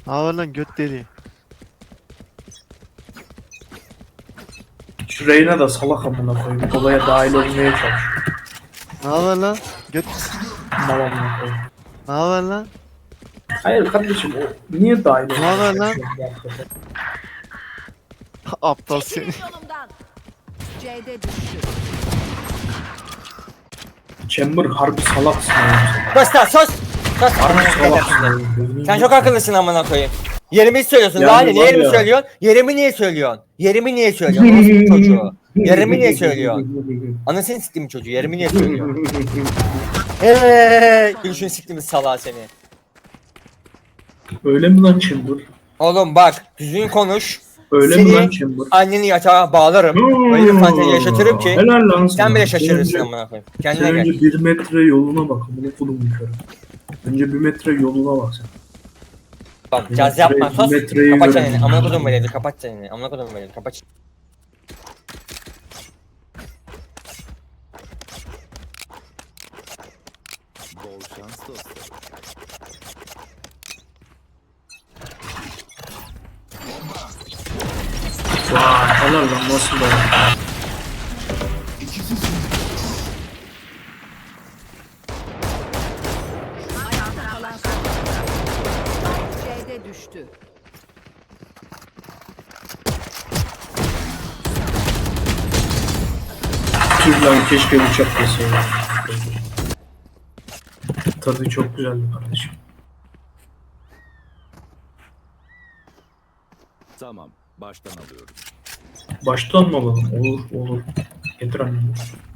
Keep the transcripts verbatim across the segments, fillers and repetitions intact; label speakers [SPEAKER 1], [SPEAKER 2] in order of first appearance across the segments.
[SPEAKER 1] Hava lan göt deli.
[SPEAKER 2] Şu Reyna da salak amına koyayım. Olaya dahil olmaya çalışıyor.
[SPEAKER 1] Ne haber lan? Göt.
[SPEAKER 2] Mal amına koyayım.
[SPEAKER 1] Ne haber lan?
[SPEAKER 2] Hayır kardeşim o niye dahil olmaya
[SPEAKER 1] haber lan?
[SPEAKER 2] çalışıyor bu hakikaten?
[SPEAKER 1] Aptal seni.
[SPEAKER 3] Yolumdan. C'de düştü.
[SPEAKER 2] Chamber harbi salaksın ya.
[SPEAKER 4] Sus lan sus! Sus!
[SPEAKER 2] Harbi
[SPEAKER 4] Amına
[SPEAKER 2] salaksın.
[SPEAKER 4] koyayım. Sen çok akıllısın amına koyayım. Yerimi söylüyorsun.
[SPEAKER 2] Yani
[SPEAKER 4] Daha ne?
[SPEAKER 2] var
[SPEAKER 4] Niye yerimi
[SPEAKER 2] ya.
[SPEAKER 4] söylüyorsun? Yerimi niye söylüyorsun? Yerimi niye söylüyorsun? Orospu çocuğu. Yerimi niye söylüyorsun? Anasını siktim çocuğu. Yerimi niye söylüyorsun? Eee, gülüşünü siktim salağı seni.
[SPEAKER 2] Öyle mi lan Chamber?
[SPEAKER 4] Oğlum bak, düzgün konuş.
[SPEAKER 2] Öyle
[SPEAKER 4] Seni
[SPEAKER 2] mi lan Chamber?
[SPEAKER 4] anneni yatağa bağlarım. Öyle bir fantezi yaşatırım ki
[SPEAKER 2] Helal lan sana.
[SPEAKER 4] sen bile
[SPEAKER 2] Sen
[SPEAKER 4] şaşırırsın
[SPEAKER 2] önce-
[SPEAKER 4] amına koyayım.
[SPEAKER 2] Sen
[SPEAKER 4] Kendine
[SPEAKER 2] önce
[SPEAKER 4] gel.
[SPEAKER 2] bir metre yoluna bak. Bunu kulum körüm. Önce bir metre yoluna bak sen.
[SPEAKER 4] Bak,
[SPEAKER 2] bir
[SPEAKER 4] caz
[SPEAKER 2] metre-
[SPEAKER 4] yapma sus.
[SPEAKER 2] bir metreyi
[SPEAKER 4] Kapat
[SPEAKER 2] görelim.
[SPEAKER 4] çeneni. Amına kodum verildi. Kapat çeneni. Amına kodum verildi. Kapat.
[SPEAKER 5] Bol şans dostlarım.
[SPEAKER 2] Vay helal lan nasıl da.
[SPEAKER 3] Ayakta kalan son. C'de düştü.
[SPEAKER 2] Tüh lan keşke uçak deseydim. Tadı çok güzeldi kardeşim.
[SPEAKER 5] Tamam, baştan alıyorum.
[SPEAKER 2] Baştan mı alalım? Olur olur. Getir annemi.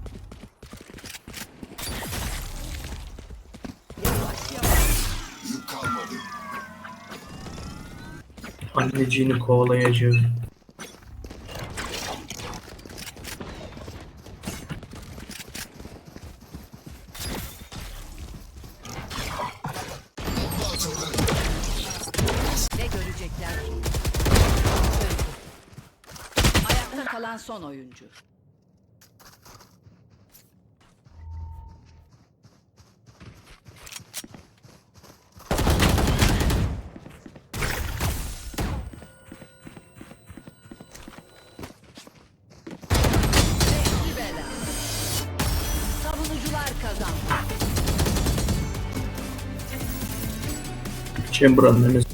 [SPEAKER 2] Anneciğini kovalayacağım.
[SPEAKER 3] Ne görecekler ki? Ayakta kalan son oyuncu. Beşli bela. Savunucular kazandı.
[SPEAKER 2] Chamber annemiz.